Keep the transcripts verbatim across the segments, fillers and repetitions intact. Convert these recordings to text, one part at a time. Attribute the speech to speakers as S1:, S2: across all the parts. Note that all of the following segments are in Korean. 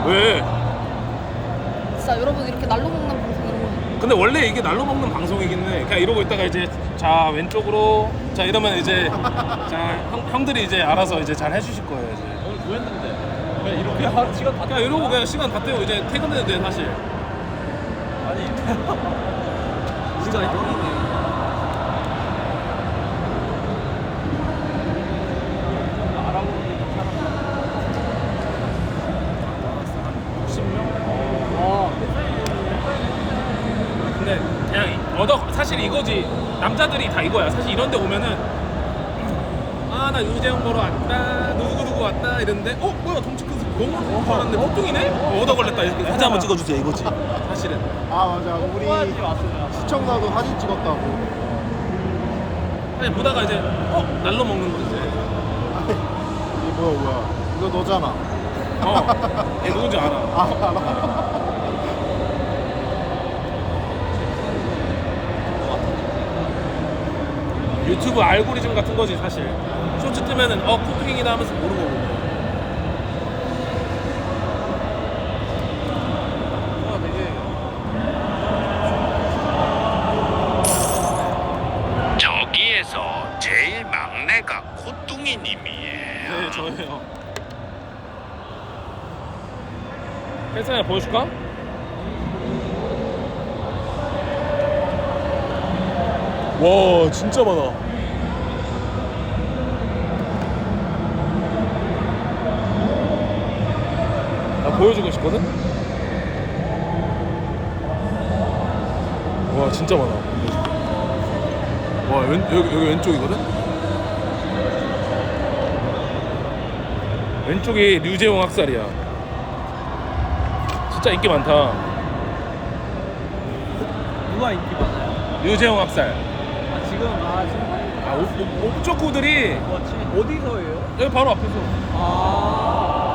S1: 왜?
S2: 진짜 여러분 이렇게 날로 먹는 방송 이런 거.
S1: 근데 원래 이게 날로 먹는 방송이긴 해. 그냥 이러고 있다가 이제 자 왼쪽으로 자 이러면 이제 자 형, 형들이 이제 알아서 이제 잘 해주실 거예요 이제.
S3: 오늘 뭐 했는데? 그냥 이렇게 하, 시간 다
S1: 그냥 이러고 그냥 시간 다 때우고 이제 퇴근해도 돼 사실.
S3: 아니 진짜 형이네.
S1: 근데 그냥 얻어 사실 이거지. 남자들이 다 이거야. 사실 이런 데 오면은 아 나 유재형 보러 왔다 누구누구 왔다 이랬는데 어 뭐야 덩치 큰 사람 너무 잘하는데 뽀뚱이네? 어, 얻어 걸렸다 이렇게 사진 한번 찍어주세요 이거지 사실은.
S4: 아 맞아 우리 시청자도 사진 찍었다고.
S1: 아니 보다가 이제 어 날로 먹는 거 이제
S4: 이게 뭐야 뭐야 이거 너잖아.
S1: 어얘 누군지 알아.
S4: 아 알아.
S1: 유튜브 알고리즘 같은 거지 사실. 쇼츠 뜨면은 어 코팅이다 하면서 모르고 보고.
S3: 아 되게
S5: 저기에서 제일 막내가 코뚱이님이에요.
S1: 네 저예요. 헬스장 보여줄까? 와 진짜 많아. 나 보여주고 싶거든? 와 진짜 많아. 와 왼, 여기, 여기 왼쪽이거든? 왼쪽이 류재용 학살이야. 진짜 인기 많다.
S3: 누가 인기 많아요?
S1: 류재용 학살.
S3: 아 지금 아 지금
S1: 아, 옵, 옵, 옵조구들이
S3: 뭐지? 어디서예요?
S1: 여기 바로 앞에서.
S3: 아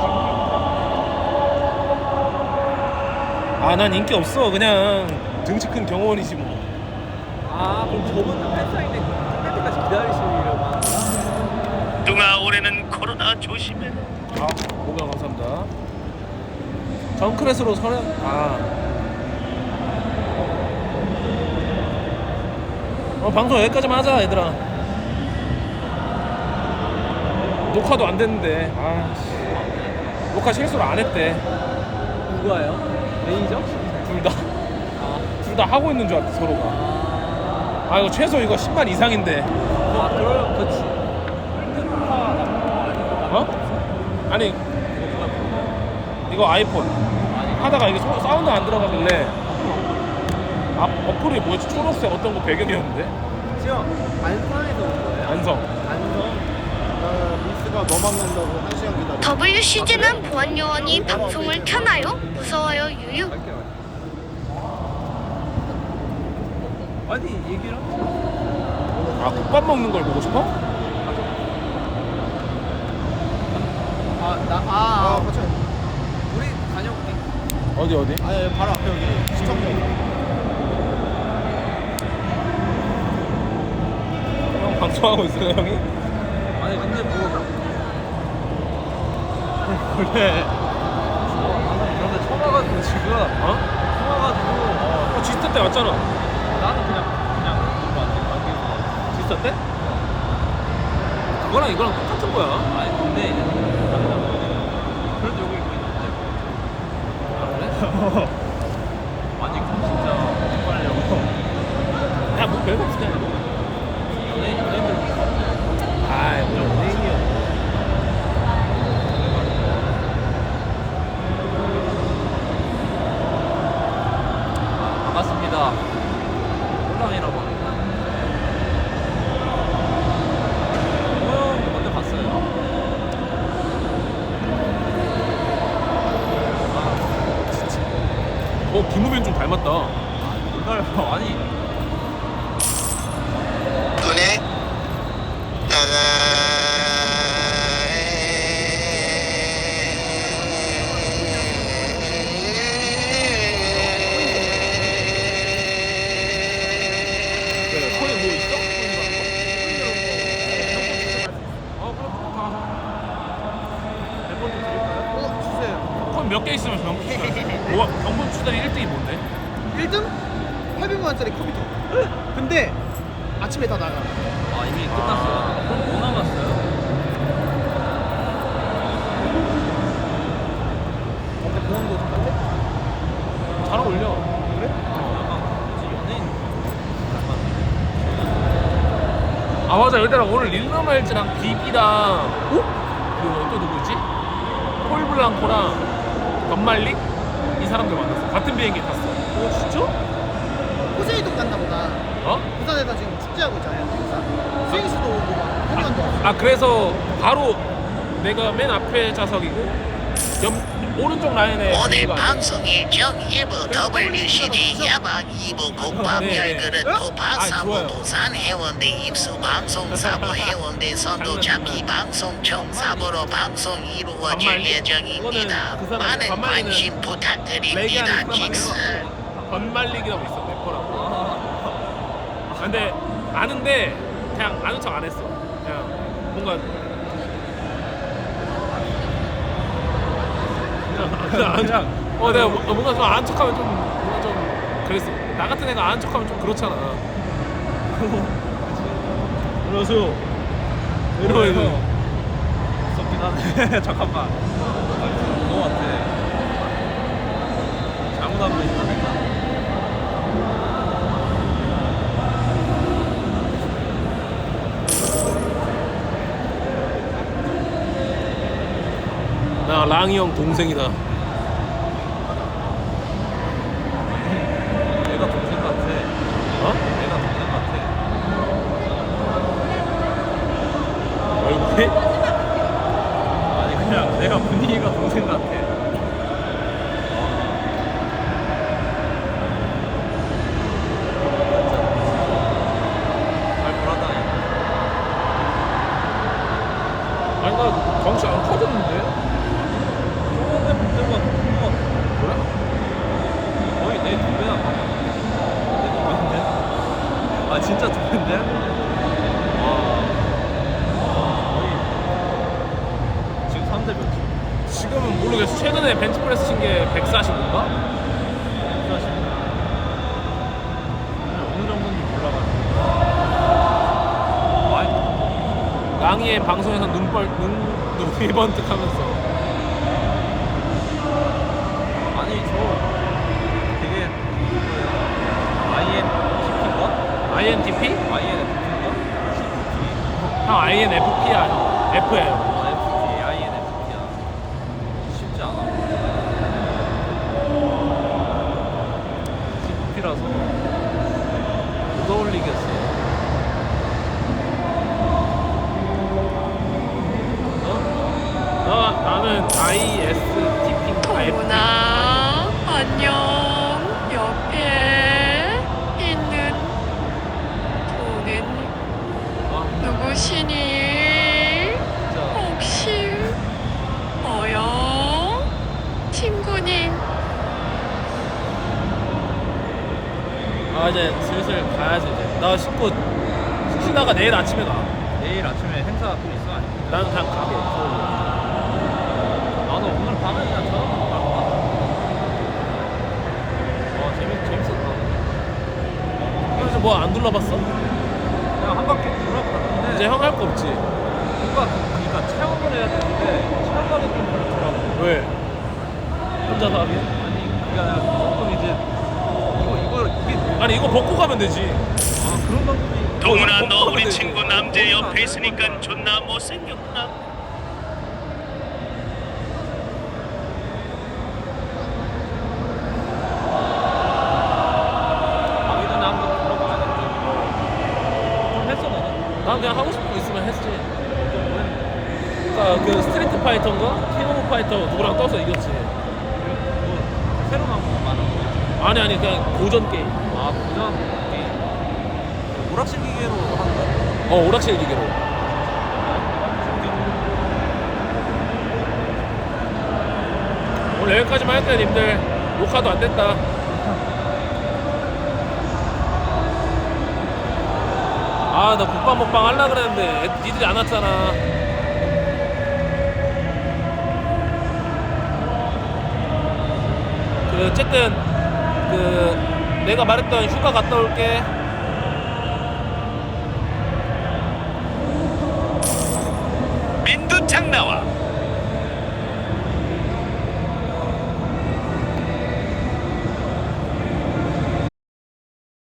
S1: 아, 난 인기 없어. 그냥 등치 큰 경호원이지 뭐.
S3: 아 그럼 저분 팬사인회 끝날 때까지 기다리시려고 하는 거야?
S5: 뚱아 올해는 코로나 조심해.
S1: 아, 오백 감사합니다. 정크렛으로 서른. 아. 어, 방송 여기까지만 하자, 얘들아. 녹화도 안 됐는데. 아, 씨. 녹화 실수를 안 했대.
S3: 누가요? 매니저?
S1: 둘 다. 둘 다 하고 있는 줄 알았대, 서로가. 아, 이거 최소 이거 십만 이상인데.
S3: 아 그럼 그치
S1: 어? 아니 이거 아이폰 하다가 이게 소- 사운드 안 들어가길래 앞 어플이 뭐였지? 초록색 어떤 거 배경이었는데
S3: 지금 안산에서 온 거예요?
S1: 안성.
S3: 안성?
S4: 나 미스가 너 만난다고 한 시간 기다려.
S6: 더블유씨지는 보안요원이 방송을 켜나요? 무서워요 유유.
S3: 갈게 갈게 아니 얘기를 하자.
S1: 아 국밥 먹는 걸 보고 싶어?
S3: 아나 아,
S4: 아
S3: 아
S4: 같이.
S3: 우리 다녀올게.
S1: 어디 어디?
S4: 아니 바로 앞에 여기 시청자.
S1: 형 방송하고 있어요 형이?
S3: 아니 근데 뭐 원래 그런데 처음 와가지고 지금
S1: 어?
S3: 처음 와가지고
S1: 어 지스타 때 왔잖아.
S3: 나는 그냥 그냥 그거 안 돼.
S1: 지스타 때? 그거랑 이거랑 똑같은 거야.
S3: 아니 근데 그래도 여기 있고 있는데
S1: 아 그래?
S3: 아니 그럼 진짜 빨리하고
S1: 야뭐 별거 없을 때.
S3: 연예인 연예인들
S1: 아이 뭐 연예인이야.
S3: 반갑습니다. 홀랑이라고 합니다. 형 언제 봤어요?
S1: 어 김우빈 좀 닮았다.
S3: 이걸 아니
S5: 눈에
S1: 거기 뭐 있어? 어 그럼 다. 몇 번째 드릴까요?
S4: 어 주세요.
S1: 그럼 몇 개 있으면 경품 추천. 뭐 경품 추천이 일 등이 뭔데?
S4: 일 등? 팔백만 원짜리 컴퓨터. 근데 아침에 다 나가.
S3: 아 이미 끝났어요. 그럼 뭐 남았어요?
S4: 근데 그런도 똑같아?
S1: 잘 어울려.
S4: 그래?
S3: 약간 뭐지 연예인
S1: 아 맞아 얘들아 오늘 릴러멜즈랑 비비랑 어? 그리고 또 누구지? 폴블랑코랑 덤말릭? 이 사람들 만났어. 같은 비행기 탔어.
S4: 어 진짜? 호세이도 간다 보다.
S1: 어?
S4: 부산에서 지금 축제하고 있잖아요. 행사. 스윙스도 오고 막 한관도 왔어.
S1: 아 그래서 바로 내가 맨 앞에 좌석이고 옆 오른쪽 라인에
S5: 오늘
S1: 비비가 앉아.
S5: 방송 일정 일부 더블유씨디 야방 이 부 국밥
S1: 네, 네.
S5: 열그릇
S1: 아,
S5: 도파 사부
S1: 좋아요.
S5: 도산 해운대 입수 방송 사부 해운대 선도 잡기 방송 총 사부로 방송 이루어질
S1: 반말리?
S5: 예정입니다.
S1: 이거는 그 사람
S5: 많은
S1: 반말리는
S5: 관심
S1: 레기하는
S5: 부탁드립니다.
S1: 사람
S5: 킥스.
S1: 번말릭이라고 있어 래퍼라고. 아, 근데 아는데 그냥 아는 척 안 했어. 그냥 뭔가 그냥 아는 척. 어 내가 뭐- 뭔가 좀 아는 척하면 좀 뭔가 좀 그랬어. 나 같은 애가 아는 척하면 좀 그렇잖아.
S3: 안녕하세요.
S1: 이러고 이거
S3: 무섭긴 하네. 잠깐만. 그거 같아. 잘못하고 있다니까.
S1: 나 랑이 형 동생이다.
S3: 내가 동생 같아.
S1: 어?
S3: 내가 동생 같아.
S1: 얼굴이?
S3: 아니 그냥 내가 분위기가 동생 같아. 잘 돌아다니.
S1: 아니 나 덩치 안 커졌는데?
S3: 저번에 볼 때보다 더큰것 같아.
S1: 그래?
S3: 거의 내 두 배나 봐. 내 두 배인데? 아 진짜 두 배인데? 와. 와, 거의 지금 삼 대 몇이야?
S1: 지금은 모르겠어. 최근에 벤치프레스 친 게 백사십인가?
S3: 사실 어느 정도인지 몰라가지고. 많이
S1: 랑이의 방송에서 눈벌 눈 눈이 번뜩하면서
S3: 아니 저 되게 아이엔티피인가?
S1: 아이엔티피?
S3: 아이엔에프피인가?
S1: 형 아이엔에프피야 형. F예요.
S3: 아이엔에프피, 아이엔에프피야. 쉽지 않아. 씨피라서 못 어울리겠어.
S1: 어? 나 나는 아이에스티피인가?
S6: 어머나 안녕. 옆에 있는 분은 누구시니?
S3: 진짜
S6: 혹시 뭐요? 친구님.
S1: 아 이제 슬슬 가야지 이제. 나 씻고 쉬다가 내일 아침에 가.
S3: 내일 아침에 행사 또 있어 아니?
S1: 나는 그냥 가게. 서울로.
S3: 나도 오늘 밤에 그냥 저녁 갈것 같아. 와 재밌 재밌었다.
S1: 그래서 뭐 안 둘러봤어?
S3: 그냥 한 바퀴 돌아봤는데
S1: 이제 형 할 거 없지?
S3: 뭔가 그- 그러니까 체험을 해야 되는데 체험하기 좀 그렇더라고.
S1: 왜? 혼자서 하게?
S3: 아니 그게 아니라 조금 이제 이거 이거 이게
S1: 아니 이거 벗고 가면 되지.
S3: 아 그런 방법이
S5: 동훈아 너
S1: 어,
S5: 우리
S1: 어,
S5: 친구 남재 옆에 있으니까 존나 못생겼구나.
S3: 가기 전에 한번 들어봐야겠다. 좀 했어 너는?
S1: 난 그냥 하고 싶은 거 있으면 했지. 그러니까 그 스트리트 파이터인가? 킹 오브 파이터 누구랑 떠서 이겼지.
S3: 뭐 새로 나온 거 많은 거.
S1: 아니 아니 그냥 고전 게임.
S3: 아 고전 게임. 오락실 기계로 하는 거?
S1: 어 오락실 기계로. 오늘 여기까지만 할게요 님들. 녹화도 안 됐다. 아 나 국밥 먹방 하려고 그랬는데 애- 니들이 안 왔잖아. 그 어쨌든 그 내가 말했던 휴가 갔다 올게.